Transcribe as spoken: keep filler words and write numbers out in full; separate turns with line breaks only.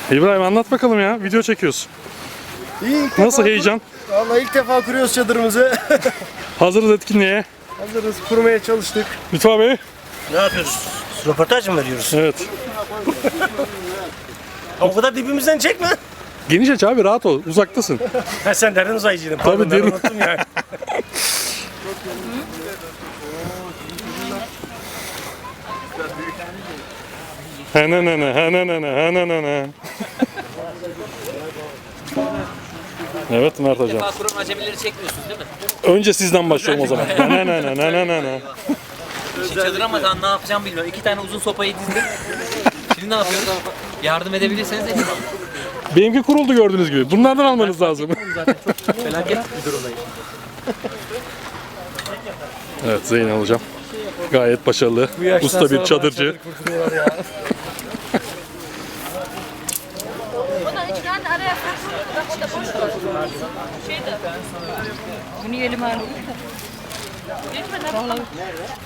İbrahim anlat bakalım ya. Video çekiyorsun.
İyi, ilk
Nasıl
defa
heyecan?
Kur... Vallahi ilk defa kuruyoruz çadırımızı.
Hazırız etkinliğe.
Hazırız, kurmaya çalıştık.
Lütfü abi.
Ne yapıyoruz? Röportaj mı veriyoruz?
Evet.
O kadar dibimizden çekme.
Geniş aç abi, rahat ol. Uzaktasın.
Ha, sen derin uzaycıydın. Pardon,
Tabii,
ben
derin.
unuttum ya.
Hananana, hananana, hananana. Evet Mert hocam.
Defa kuran acemileri çekmiyorsunuz değil mi?
Önce sizden başlıyorum o zaman. Hananana, hananana.
Şimdi çadıramadan ne yapacağım bilmiyorum. İki tane uzun sopayı dizdim. Şimdi ne yapıyoruz? Yardım edebilirseniz edin.
Benimki kuruldu gördüğünüz gibi. Bunlardan almanız lazım.
Zaten çok felaket bir durumdayım.
Evet Zeynep hocam. Gayet başarılı. Usta bir çadırcı.
Bundan üç tane araya saklı. Bak o da boş var. Şey de. Bunu yelim abi. Geçmeden.